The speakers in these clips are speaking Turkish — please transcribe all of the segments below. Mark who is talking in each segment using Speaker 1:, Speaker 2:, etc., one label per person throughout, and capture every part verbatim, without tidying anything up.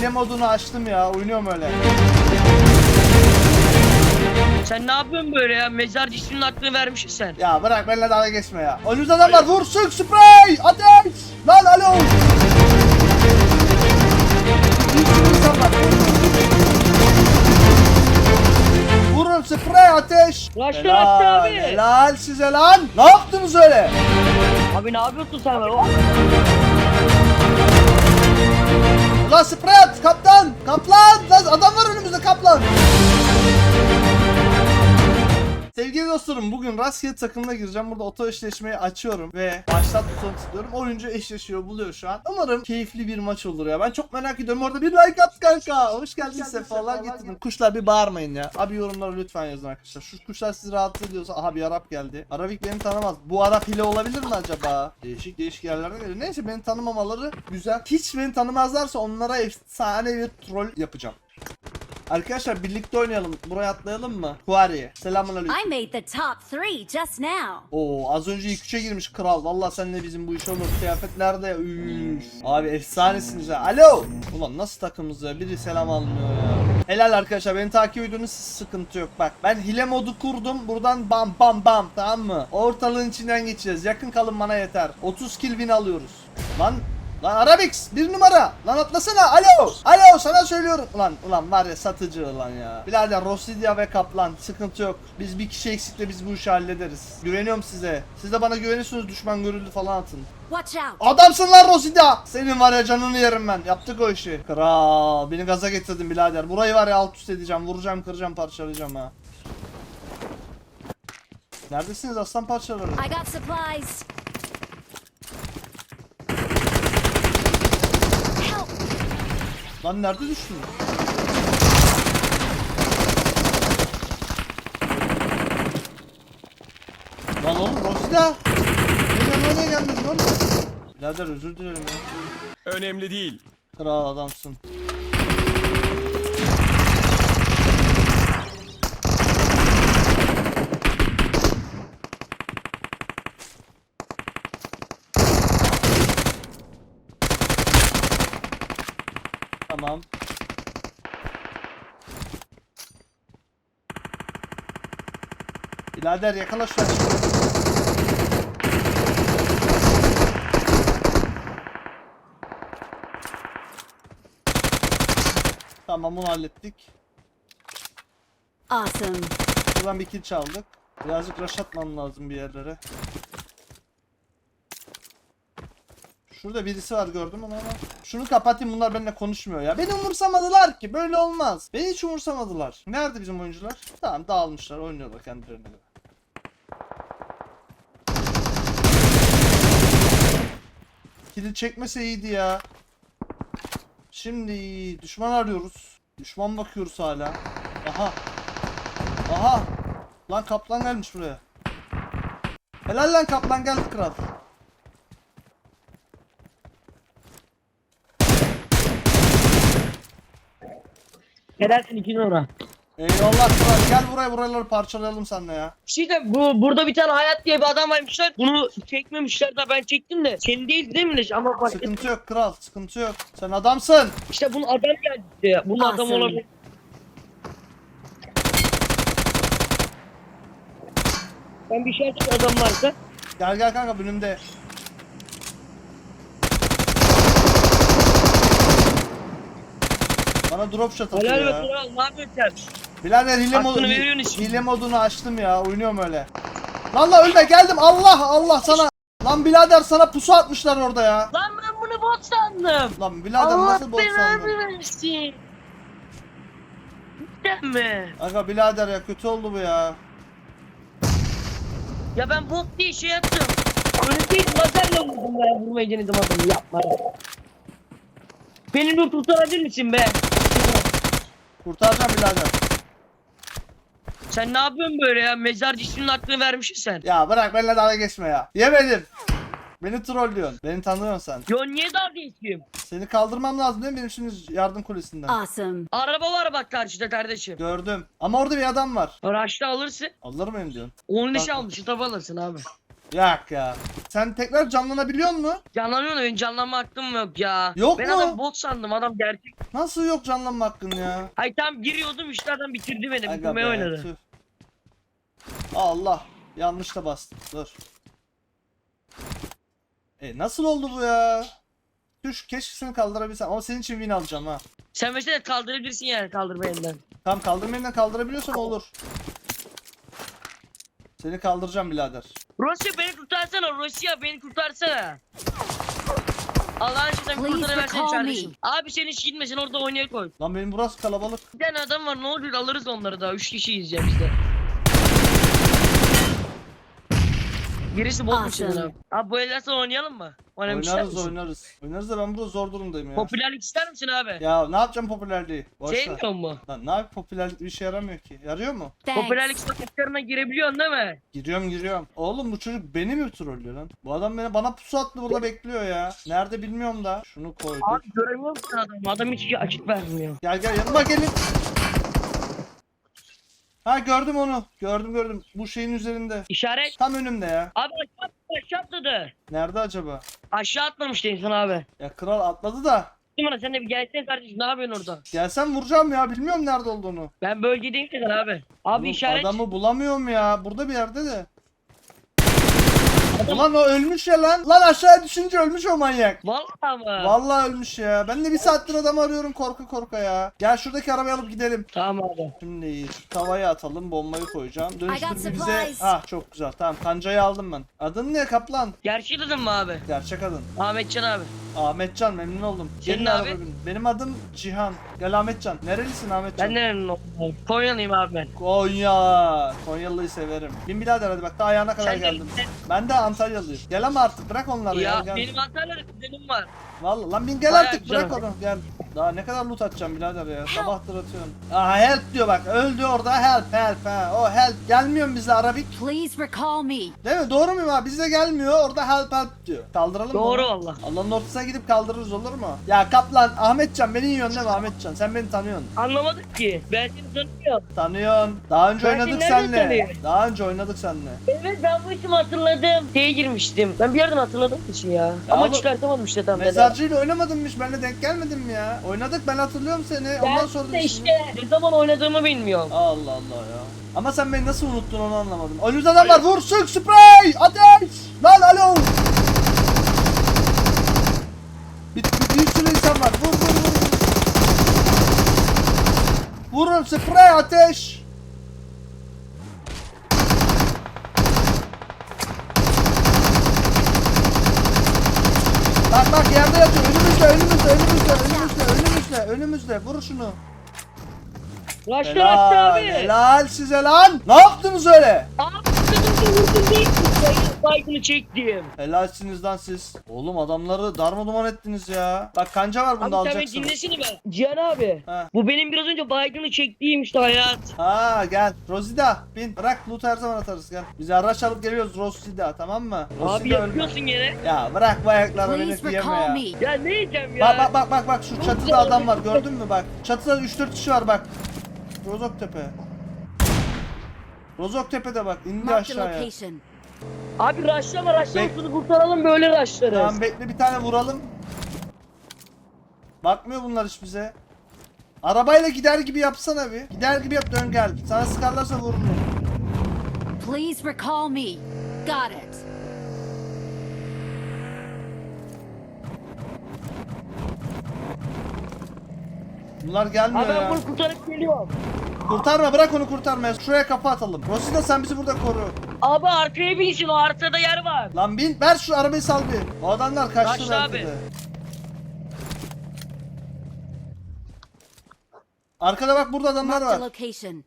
Speaker 1: hile modunu açtım ya. Oynuyorum öyle.
Speaker 2: Sen ne yapıyorsun böyle ya? Mezarcı isminin hakkını vermişsin sen.
Speaker 1: Ya bırak benimle dalga geçme ya. Önümüzde adam var. Vur, sık, sprey, ateş. Lan alo. Bir sürü insan var. Vurun, sprey, ateş.
Speaker 2: Raşlı
Speaker 1: Helal,
Speaker 2: Raşlı abi.
Speaker 1: helal size lan. Ne yaptınız öyle?
Speaker 2: Abi ne yapıyorsun sen böyle? Oh.
Speaker 1: Ulan sprey at, kaptan. Kaplan. Lan adam var önümüzde, kaplan. Sevgili dostlarım, bugün rastgele takımına gireceğim. Burada oto eşleşmeyi açıyorum ve başlat butonunu tıklıyorum. Oyuncu eşleşiyor, buluyor şu an. Umarım keyifli bir maç olur ya. Ben çok merak ediyorum. Orada bir like at kanka. Hoş geldin, sefalar getirdin. Kuşlar bir bağırmayın ya. Abi yorumlara lütfen yazın arkadaşlar. Şu kuşlar sizi rahatsız ediyorsa. Aha, bir Arap geldi. Arabik beni tanımaz. Bu Arap hile olabilir mi acaba? Değişik değişik yerlerden geliyor. Neyse, beni tanımamaları güzel. Hiç beni tanımazlarsa onlara efsane bir troll yapacağım. Arkadaşlar birlikte oynayalım. Buraya atlayalım mı? Kuariye. Selamünaleyküm.
Speaker 3: I made the top three just now.
Speaker 1: Oo, az önce ilk üçe girmiş kral. Vallahi seninle bizim bu iş olur. Kıyafet nerede ya? Üf. Abi efsanesiniz ha. Alo. Ulan nasıl takımız ya? Biri selam almıyor ya. Helal arkadaşlar, beni takip ediyorsunuz, sıkıntı yok. Bak, ben hile modu kurdum. Buradan bam bam bam, tamam mı? Ortalığın içinden geçeceğiz. Yakın kalın, bana yeter. otuz kill win alıyoruz. Lan Lan Arabix bir numara. Lan atlasana. Alo. Alo, sana söylüyorum. Ulan ulan var ya, satıcı ulan ya. Birader, Rossidia ve Kaplan, sıkıntı yok. Biz bir kişi eksikle biz bu işi hallederiz. Güveniyorum size. Siz de bana güveniyorsunuz, düşman görüldü falan atın.
Speaker 3: Watch out.
Speaker 1: Adamsın lan Rossidia. Senin var ya, canını yerim ben. Yaptık o işi. Kral, beni gaza getirdin birader. Burayı var ya, alt üst edeceğim. Vuracağım, kıracağım, parçalayacağım ha. Neredesiniz aslan parçaları?
Speaker 3: I got supplies. Help.
Speaker 1: Lan nerede düştün? Lan oğlum, Rossidia. Nereye nereye geldin oğlum? Birader özür dilerim ya.
Speaker 4: Önemli değil.
Speaker 1: Kral adamsın. Tamam. Birader yakala şu an. Tamam, bunu hallettik.
Speaker 3: Awesome.
Speaker 1: Buradan bir kill çaldık. Birazcık rush atmam lazım bir yerlere. Şurada birisi var, gördüm onu ama. Şunu kapatayım, bunlar benimle konuşmuyor ya. Beni umursamadılar ki, böyle olmaz. Beni hiç umursamadılar. Nerede bizim oyuncular? Tamam, dağılmışlar, oynuyorlar kendilerine göre. Kili çekmese iyiydi ya. Şimdi düşman arıyoruz. Düşman bakıyoruz hala. Aha. Aha. Lan kaplan gelmiş buraya. Helal lan kaplan, geldi kral.
Speaker 2: Edersin iki numara.
Speaker 1: Eyvallah kral, gel buraya, buraları parçalayalım seninle ya.
Speaker 2: Bir de bu burada bir tane Hayat diye bir adam varmışlar. Bunu çekmemişler de ben çektim de. Senin değil değil mi? Ama bak
Speaker 1: Sıkıntı yok kral, sıkıntı yok. Sen adamsın.
Speaker 2: işte bunun adam geldi ya. Bunun adam
Speaker 3: Awesome.
Speaker 2: olabilir. Ben bir şey açık adam varsa.
Speaker 1: Gel gel kanka, önümde. Bana drop shot atıyor
Speaker 2: Helal be
Speaker 1: ya.
Speaker 2: kral, ne yapıyorsun sen?
Speaker 1: Birader hile,
Speaker 2: Hakkını
Speaker 1: modu,
Speaker 2: veriyorsun işte.
Speaker 1: hile modunu açtım ya, oynuyorum öyle. Lan lan ölme, geldim, Allah Allah sana. Lan birader, sana pusu atmışlar orada ya.
Speaker 2: Lan ben bunu bot sandım.
Speaker 1: Lan birader,
Speaker 2: Allah
Speaker 1: nasıl bot sandın?
Speaker 2: belanı versin. Cidden mi?
Speaker 1: Aga birader ya, kötü oldu bu ya.
Speaker 2: Ya ben bot diye şey yaptım. Öyle değil, lazerle vurdum ben, vurmayı denedim adamı, yapma. Beni bir kurtarabilir misin be?
Speaker 1: Kurtaracağım birader.
Speaker 2: Sen ne yapıyorsun böyle ya? Mezarcı isminin hakkını vermişsin sen.
Speaker 1: Ya bırak benimle dalga geçme ya. Yemedim. Beni trollüyorsun. Beni tanıyorsun sen.
Speaker 2: Yo niye dalga geçeyim?
Speaker 1: Seni kaldırmam lazım değil mi benim şimdi yardım kulesinden?
Speaker 3: Awesome.
Speaker 2: Araba var bak karşıda kardeşim.
Speaker 1: Gördüm. Ama orada bir adam var.
Speaker 2: Araçta alırsın.
Speaker 1: Alır mıyım diyorsun?
Speaker 2: on leş
Speaker 1: Bak.
Speaker 2: almışsın, tabi alırsın abi.
Speaker 1: Yak ya. Sen tekrar canlanabiliyor musun?
Speaker 2: Canlanıyor da benim canlanma hakkım yok ya.
Speaker 1: Yok
Speaker 2: ben
Speaker 1: mu?
Speaker 2: adam bot sandım, adam gerçek.
Speaker 1: Nasıl yok canlanma hakkın ya?
Speaker 2: Ay tam giriyordum işte adam bitirdi beni.
Speaker 1: Aga
Speaker 2: Bitirmeye
Speaker 1: be,
Speaker 2: oynadı.
Speaker 1: tüh. Allah. Yanlış da bastım. Dur. E nasıl oldu bu ya? Düş, keşke seni kaldırabilsem ama senin için win alacağım ha.
Speaker 2: Sen mesela kaldırabilirsin yani kaldırma elinden.
Speaker 1: Tam kaldırmayla kaldırabiliyorsan olur. Seni kaldıracağım birader.
Speaker 2: Rusya beni kurtarsana, Rusya beni kurtarsana. Allah'ın aşkına bir
Speaker 3: Please
Speaker 2: kurtarıversen
Speaker 3: recall
Speaker 2: kardeşim.
Speaker 3: me.
Speaker 2: Abi sen hiç gitme, sen orada oynaya koy.
Speaker 1: Lan benim burası kalabalık.
Speaker 2: Bir tane adam var, ne olur alırız onları da. Üç kişiyiz ya biz de. Birisi bozmuş
Speaker 3: Awesome.
Speaker 2: dedin abi. Abi bu elden sonra oynayalım mı? Oynamak ister
Speaker 1: Oynarız
Speaker 2: misin?
Speaker 1: oynarız. Oynarız da ben burada zor durumdayım ya.
Speaker 2: Popülerlik ister misin abi?
Speaker 1: Ya ne yapacağım popülerliği? Boş ver.
Speaker 2: Sevmiyor mu?
Speaker 1: Lan ne yap popülerlik bir işe yaramıyor ki. Yarıyor mu?
Speaker 2: Popülerlik
Speaker 3: Thanks.
Speaker 2: sokaklarına girebiliyorsun değil mi?
Speaker 1: Giriyorum giriyorum. Oğlum bu çocuk beni mi trollüyor lan? Bu adam beni bana pusu attı burada bekliyor ya. Nerede bilmiyorum da. Şunu koyduk.
Speaker 2: Abi göremiyor musun adamı? Adam hiç açık vermiyor.
Speaker 1: Gel gel yanıma gelin. Ha gördüm onu. Gördüm gördüm. Bu şeyin üzerinde.
Speaker 2: İşaret.
Speaker 1: Tam önümde ya.
Speaker 2: Abi aşağı, aşağı atladı.
Speaker 1: Nerede acaba?
Speaker 2: Aşağı atlamıştı insan abi.
Speaker 1: Ya kral atladı da.
Speaker 2: Değil mi? Sen de bir gelsene kardeşim, ne yapıyorsun orada?
Speaker 1: Gelsem vuracağım ya. Bilmiyorum nerede olduğunu.
Speaker 2: Ben bölgedeyim sen abi. Abi
Speaker 1: Oğlum,
Speaker 2: işaret.
Speaker 1: adamı bulamıyorum ya. Burada bir yerde de. Ulan o ölmüş ya lan. Lan aşağıya düşünce ölmüş o manyak.
Speaker 2: Vallahi mı?
Speaker 1: Vallahi ölmüş ya. Ben de bir saattir adamı arıyorum korka korka ya. Gel şuradaki arabayı alıp gidelim.
Speaker 2: Tamam abi.
Speaker 1: Şimdi şu tavayı atalım, bombayı koyacağım.
Speaker 3: I
Speaker 1: Dönüştür
Speaker 3: got
Speaker 1: bir bize.
Speaker 3: supplies.
Speaker 1: Ah çok güzel. Tamam kancayı aldım ben. Adın ne kaplan?
Speaker 2: Gerçek adın mı abi?
Speaker 1: Gerçek adın.
Speaker 2: Ahmetcan abi.
Speaker 1: Ahmetcan, memnun oldum.
Speaker 2: Senin
Speaker 1: Gelin
Speaker 2: abi?
Speaker 1: araba bin. Benim adım Cihan. Gel Ahmetcan. Nerelisin Ahmetcan?
Speaker 2: Ben de memnun oldum. Konyalıyım abi ben.
Speaker 1: Konya. Konyalı'yı severim. Bin birader hadi bak daha ayağına kadar
Speaker 2: Sen de-
Speaker 1: geldim. Ben de Antalyalıyım. Gel ama artık bırak onları ya.
Speaker 2: Ya
Speaker 1: Gel.
Speaker 2: benim Antalya'da kuzenim var.
Speaker 1: Vallahi lan bin gel
Speaker 2: Bayağı
Speaker 1: artık
Speaker 2: güzel.
Speaker 1: bırak onu gel. Daha ne kadar loot atacağım birader ya. Sabahtır atıyorum. Aa help diyor bak. Öldü orada help help ha. O help. Gelmiyor mu bize Arabik?
Speaker 3: Please recall me.
Speaker 1: Değil mi? Doğru muyum abi? Bize gelmiyor. Orada help help diyor. Kaldıralım mı?
Speaker 2: Doğru
Speaker 1: onu?
Speaker 2: valla.
Speaker 1: Allah'ın ortasına gidip kaldırırız olur mu? Ya kaplan Ahmetcan beni yiyorsun değil mi Ahmetcan? Sen beni tanıyorsun.
Speaker 2: Anlamadık ki. Ben seni tanımıyorum.
Speaker 1: Tanıyorsun. Daha önce
Speaker 2: Ben
Speaker 1: oynadık
Speaker 2: seni nereden
Speaker 1: seninle.
Speaker 2: tanıyorum?
Speaker 1: Daha önce oynadık seninle.
Speaker 2: Evet ben bu işimi hatırladım. Şeye girmiştim. Ben bir yerden hatırladım için ya.
Speaker 1: Ya
Speaker 2: Ama
Speaker 1: oğlum,
Speaker 2: çıkartamadım işte tam.
Speaker 1: Mezarcıyla oynamadın mı hiç? Benimle denk gelmedin mi ya? Oynadık ben hatırlıyorum seni. Ondan
Speaker 2: Ben
Speaker 1: sonra
Speaker 2: de işte ne zaman oynadığımı bilmiyorum.
Speaker 1: Allah Allah ya. Ama sen beni nasıl unuttun onu anlamadım. Önümüzde adam var. Vur sık sprey. Ateş. Lan alo. Bir, bir, bir sürü insan var. Vur vur vur. Vurun sprey ateş. Bak bak yerde yatıyor. Önümüzde önümüzde önümüzde önümüzde önümüzde önümüzde. Vur şunu.
Speaker 2: Raşlı Raşlı
Speaker 1: Helal,
Speaker 2: abi.
Speaker 1: helal size lan. Ne yaptınız öyle?
Speaker 2: Abi dedim ki vurdun değil mi? Baygını çektim.
Speaker 1: Helalsiniz lan siz. Oğlum adamları darma duman ettiniz ya. Bak kanca var bunda
Speaker 2: Abi sen beni
Speaker 1: alacaksın.
Speaker 2: dinlesene ben. Cihan abi.
Speaker 1: Ha.
Speaker 2: Bu benim biraz önce baygını çektiğim işte hayat.
Speaker 1: Ha gel. Rosida bin. Bırak loot her zaman atarız gel. Biz araç alıp geliyoruz Rosida tamam mı?
Speaker 2: Abi
Speaker 1: Rosida ölme.
Speaker 2: yapıyorsun gene.
Speaker 1: Ya bırak bu ayakları beni
Speaker 3: Please
Speaker 1: yeme
Speaker 3: recall
Speaker 1: ya.
Speaker 3: me.
Speaker 2: Ya ne yiyeceğim ya?
Speaker 1: Bak bak bak bak bak şu çatıda adam var gördün mü bak. Çatıda üç dört kişi var bak. Rozoktepe. Rozoktepe'de bak indi
Speaker 3: Marked a
Speaker 1: aşağıya.
Speaker 3: location.
Speaker 2: Abi raşlama raşlama
Speaker 1: Bek-
Speaker 2: şunu kurtaralım böyle raşlarız.
Speaker 1: Tamam bekle bir tane vuralım. Bakmıyor bunlar hiç bize. Arabayla gider gibi yapsana bir. Gider gibi yap dön gel. Sana sıkarlarsa vururum.
Speaker 3: Please recall me. Got it.
Speaker 1: Bunlar gelmiyor
Speaker 2: Abi ben
Speaker 1: ya.
Speaker 2: bunu kurtarıp geliyorum.
Speaker 1: Kurtarma bırak onu kurtarma. Şuraya kafa atalım. Rosida sen bizi burada koru.
Speaker 2: Abi arkaya binsin, o arkada yer var.
Speaker 1: Lan bin ver şu arabayı sal bir. O adamlar kaçtı
Speaker 2: Kaçtı
Speaker 1: belki
Speaker 2: abi.
Speaker 1: de. Arkada bak burada adamlar
Speaker 3: Marked a
Speaker 1: var.
Speaker 3: location.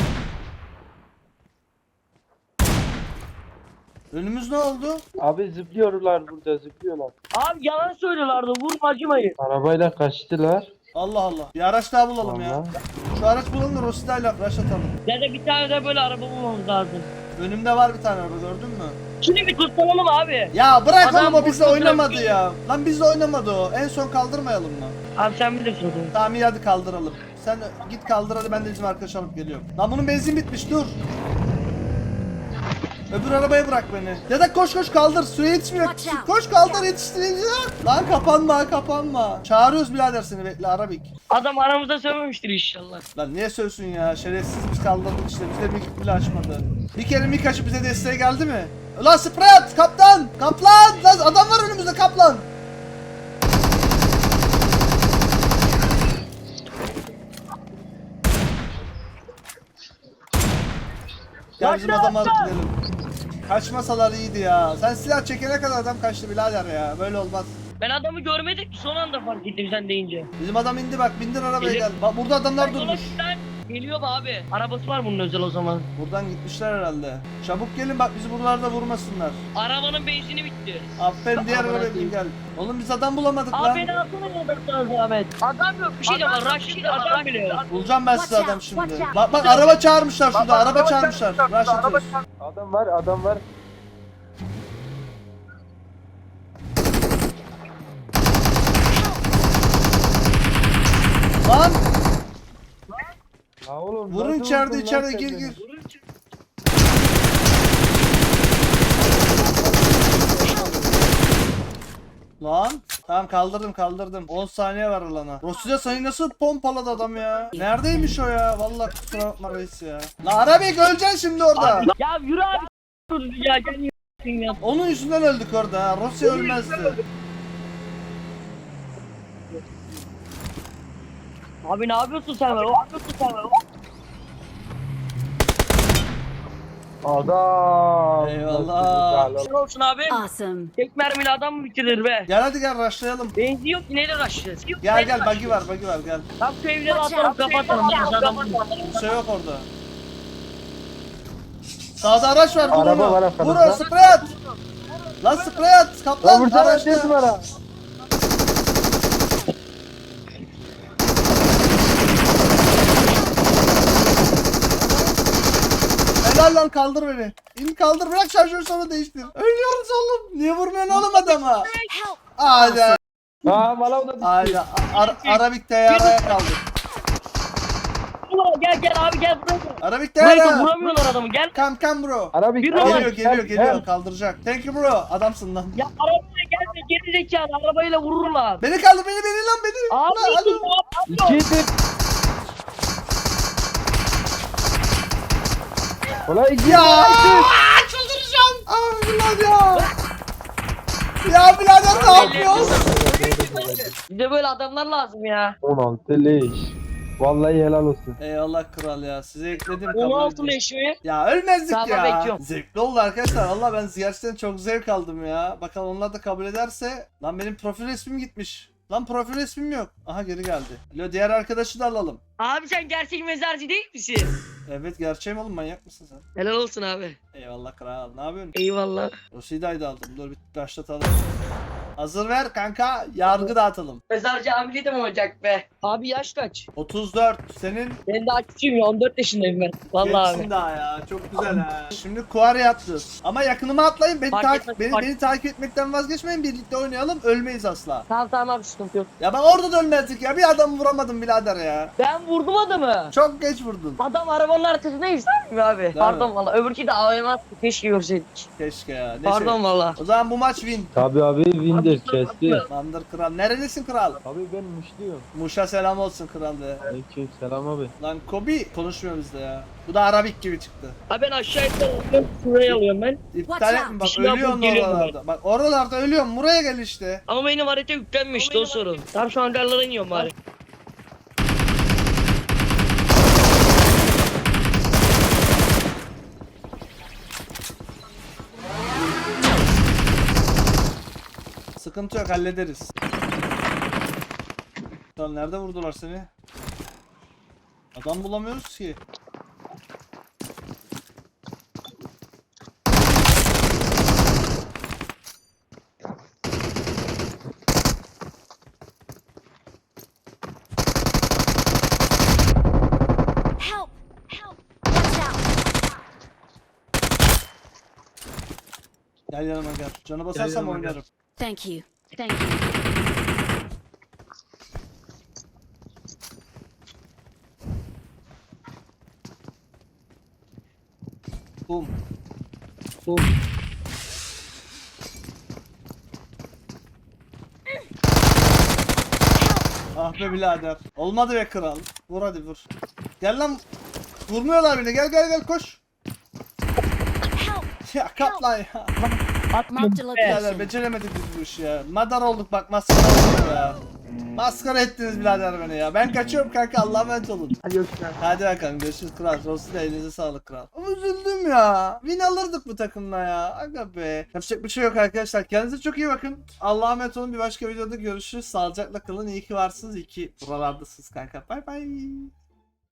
Speaker 1: Önümüz ne oldu?
Speaker 4: Abi zıplıyorlar burada zıplıyorlar.
Speaker 2: Abi yalan söylüyorlardı, vurma acımayın.
Speaker 4: Arabayla kaçtılar.
Speaker 1: Allah Allah. Bir araç daha bulalım ya.
Speaker 4: Vallahi.
Speaker 1: Şu araç bulalım da Rosida'yla rush atalım.
Speaker 2: Ya da bir tane de böyle araba bulmamız lazım.
Speaker 1: Önümde var bir tane araba gördün mü?
Speaker 2: Şimdi bir kurtaralım abi.
Speaker 1: Ya bırak
Speaker 2: Adam
Speaker 1: oğlum o bizle
Speaker 2: burada
Speaker 1: oynamadı
Speaker 2: trafiği-
Speaker 1: ya. Lan bizle oynamadı o. En son kaldırmayalım mı?
Speaker 2: Abi sen bilirsin o zaman.
Speaker 1: Tamam iyi hadi kaldıralım. Sen git kaldır hadi ben de bizim arkadaş alıp geliyorum. Lan bunun benzin bitmiş dur. Öbür arabaya bırak beni. Ya da koş koş kaldır. Süre yetişmiyor.
Speaker 3: Watch out.
Speaker 1: Koş kaldır yetiştirince. Lan kapanma kapanma. Çağırıyoruz birader seni, bekle Arabik.
Speaker 2: Adam aramızda sövmemiştir inşallah.
Speaker 1: Lan niye sövsün ya? Şerefsiz biz kaldırdık işte. Bize mik bile açmadı. Bir kere mik açıp bize desteğe geldi mi? Ulan sprey at kaptan. Kaplan. Lan adam var önümüzde kaplan. Gel bizim adamı alıp gidelim. Kaçmasalar iyiydi ya. Sen silah çekene kadar adam kaçtı birader ya. Böyle olmaz.
Speaker 2: Ben adamı görmedim ki son anda fark ettim sen deyince.
Speaker 1: Bizim adam indi bak, bindir arabaya
Speaker 2: Gelir.
Speaker 1: gel. Bak burada adamlar
Speaker 2: Yola
Speaker 1: durmuş.
Speaker 2: giden Geliyor mu abi? Arabası var bunun özel o zaman.
Speaker 1: Buradan gitmişler herhalde. Çabuk gelin bak, bizi buralarda vurmasınlar.
Speaker 2: Arabanın benzini bitti.
Speaker 1: Aferin, diğer
Speaker 2: Amına
Speaker 1: arabaya bin
Speaker 2: koyayım.
Speaker 1: gel. Oğlum biz adam bulamadık lan.
Speaker 2: Abi beni alsana yoldan zahmet. Adam yok bir şey de var. Rush'ta adam bile yok.
Speaker 1: Bulacağım ben size
Speaker 3: Watch
Speaker 1: adam
Speaker 3: out,
Speaker 1: şimdi.
Speaker 3: watch out.
Speaker 1: Bak bak araba çağırmışlar şurada, araba çağırmışlar. Rush atıyoruz.
Speaker 4: Adam var adam var.
Speaker 1: Lan
Speaker 4: Ha oğlum.
Speaker 1: vurun
Speaker 4: nasıl
Speaker 1: içeride
Speaker 4: vurdun lan
Speaker 1: içeride,
Speaker 4: sen
Speaker 1: gir
Speaker 4: beni?
Speaker 1: gir. Lan tamam, kaldırdım kaldırdım. on saniye var alana. Rossi'de sayı nasıl pompaladı adam ya? Neredeymiş o ya? Vallahi kusura bakma reis ya. La Arabik öleceksin şimdi orada.
Speaker 2: Ya yürü abi. Ya gel yürüsün ya.
Speaker 1: Onun yüzünden öldük orada ha. Rossi ölmezdi.
Speaker 2: Abi ne yapıyorsun sen? Ne yapıyorsun sen?
Speaker 4: Adam.
Speaker 1: Eyvallah.
Speaker 2: Ne olsun abi?
Speaker 3: Awesome.
Speaker 2: Tek mermiyle adam mı bitirir be?
Speaker 1: Gel hadi gel rushlayalım.
Speaker 2: Benzin yok ki neyle rushlayacağız?
Speaker 1: Gel gel, buggy var buggy var gel.
Speaker 2: Tam şu evleri
Speaker 3: Watch
Speaker 2: atalım
Speaker 3: out.
Speaker 2: kapatalım. Biz adam
Speaker 1: Bir şey yok orada. Sağda araç var, vur
Speaker 4: Araba
Speaker 1: onu.
Speaker 4: var
Speaker 1: Vur
Speaker 4: arkamızda.
Speaker 1: onu, sprey at. Lan sprey at
Speaker 4: Lan
Speaker 1: kaplan
Speaker 4: vursana
Speaker 1: araçta.
Speaker 4: ses bana.
Speaker 1: Helal lan, kaldır beni. İn kaldır, bırak şarjörü sonra değiştir. Ölüyoruz oğlum. Niye vurmuyorsun oğlum adama?
Speaker 3: Help.
Speaker 1: Hadi.
Speaker 4: Ha bana o da bitti.
Speaker 1: Hadi. Ar Arabik teyaraya kaldı.
Speaker 2: Ulan gel gel abi gel buraya gel.
Speaker 1: Arabik
Speaker 2: Buraya gel,
Speaker 1: teyara.
Speaker 2: vuramıyorlar adamı gel.
Speaker 1: Come come bro.
Speaker 4: Arabik.
Speaker 2: Bir
Speaker 4: Arabik,
Speaker 1: Geliyor geliyor
Speaker 4: gel,
Speaker 1: geliyor,
Speaker 4: gel.
Speaker 1: kaldıracak. Thank you bro. Adamsın lan.
Speaker 2: Ya arabayla gelme geri zekalı arabayla vururlar.
Speaker 1: Beni kaldır, beni beni lan beni.
Speaker 2: Abi
Speaker 1: Lan, hadi.
Speaker 2: dur ne yapıyorsun?
Speaker 4: İkidir. Ulan iki.
Speaker 1: Ya çıldıracağım. Abi lan ya. Ya birader ne yapıyorsun?
Speaker 2: Bize böyle adamlar lazım ya.
Speaker 4: on altı leş. Vallahi helal olsun.
Speaker 1: Eyvallah kral ya. Size ekledim, kabul
Speaker 2: on altı
Speaker 1: ediyorum.
Speaker 2: leş mi?
Speaker 1: Ya ölmezdik
Speaker 2: Tamam,
Speaker 1: ya.
Speaker 2: bekliyorum.
Speaker 1: Zevkli oldu arkadaşlar. Valla ben gerçekten çok zevk aldım ya. Bakalım onlar da kabul ederse. Lan benim profil resmim gitmiş. Lan profil resmim yok. Aha geri geldi. Lo, diğer arkadaşı da alalım.
Speaker 2: Abi sen gerçek mezarcı değil misin?
Speaker 1: Evet gerçeğim oğlum, manyak mısın sen?
Speaker 2: Helal olsun abi.
Speaker 1: Eyvallah kral. Ne yapıyorsun?
Speaker 2: Eyvallah.
Speaker 1: Rosida'yı da aldım. Dur bir başlatalım. Hazır ver kanka. Yargı dağıtalım.
Speaker 2: Mezarcı ameli de mi olacak be? Abi yaş kaç?
Speaker 1: otuz dört. Senin
Speaker 2: Ben daha küçüğüm ya on dört yaşındayım ben. Vallahi
Speaker 1: gençsin
Speaker 2: abi.
Speaker 1: daha ya. Çok güzel ha. Şimdi Kuari yaptınız. Ama yakınıma atlayın. Beni,
Speaker 2: Fark
Speaker 1: takip,
Speaker 2: etmez,
Speaker 1: beni,
Speaker 2: fark-
Speaker 1: beni takip etmekten vazgeçmeyin. Birlikte oynayalım. Ölmeyiz asla.
Speaker 2: Tamam tamam abi sıkıntı yok.
Speaker 1: Ya ben orada da ölmezdik ya. Bir adamı vuramadım birader ya.
Speaker 2: Ben vurdum adamı.
Speaker 1: Çok geç vurdun.
Speaker 2: Adam arabanın arkasındaymış değil mi abi? Pardon
Speaker 1: mi?
Speaker 2: valla öbürkü de A V M attı keşke görseydik.
Speaker 1: Keşke ya. Ne
Speaker 2: Pardon
Speaker 1: şey.
Speaker 2: valla.
Speaker 1: O zaman bu maç win.
Speaker 4: Tabii abi Windir kesti.
Speaker 1: Landır kral. Nerelisin kral?
Speaker 4: Abi ben muşluyum.
Speaker 1: Muş'a selam olsun kral de.
Speaker 4: Aleyküm selam abi.
Speaker 1: Lan Kobi konuşmuyor bizde ya. Bu da Arabik gibi çıktı.
Speaker 2: Abi ben aşağı alıyorum. Şuraya alıyorum ben.
Speaker 1: İptal
Speaker 3: Watch
Speaker 1: etme bak,
Speaker 2: out. Bir şey
Speaker 1: ölüyorsun
Speaker 2: yapıp geliyorum
Speaker 1: oralarda. Bak oralarda ölüyorum. Buraya gel işte.
Speaker 2: Ama benim harita yüklenmişti o sorun. Tam şu hangarlara iniyorum bari.
Speaker 1: Sıkıntı yok, hallederiz. Lan nerede vurdular seni? Adam bulamıyoruz ki.
Speaker 3: Help. Help. Watch out.
Speaker 1: Gel yanıma gel. Canı basarsam oynarım.
Speaker 3: Thank you. Thank you.
Speaker 1: Bum.
Speaker 4: sol.
Speaker 1: Ah be birader. Olmadı be kral. Vur hadi vur. Gel lan. Vurmuyorlar bile. Gel gel gel koş.
Speaker 3: Help!
Speaker 1: Ya kaplan ya.
Speaker 3: Marked a
Speaker 1: Birader
Speaker 3: location.
Speaker 1: beceremedik biz bu işi ya. Madar olduk bak, maskara olduk ya. Maskara ettiniz birader beni ya. Ben kaçıyorum kanka, Allah'a emanet olun.
Speaker 2: Hadi görüşürüz.
Speaker 1: Hadi bakalım görüşürüz kral. Olsun da elinize sağlık kral. Ama üzüldüm ya. Win alırdık bu takımla ya. Aga be. Yapacak bir şey yok arkadaşlar. Kendinize çok iyi bakın. Allah'a emanet olun. Bir başka videoda görüşürüz. Sağlıcakla kalın. İyi ki varsınız. İyi ki buralardasınız kanka. Bay bay.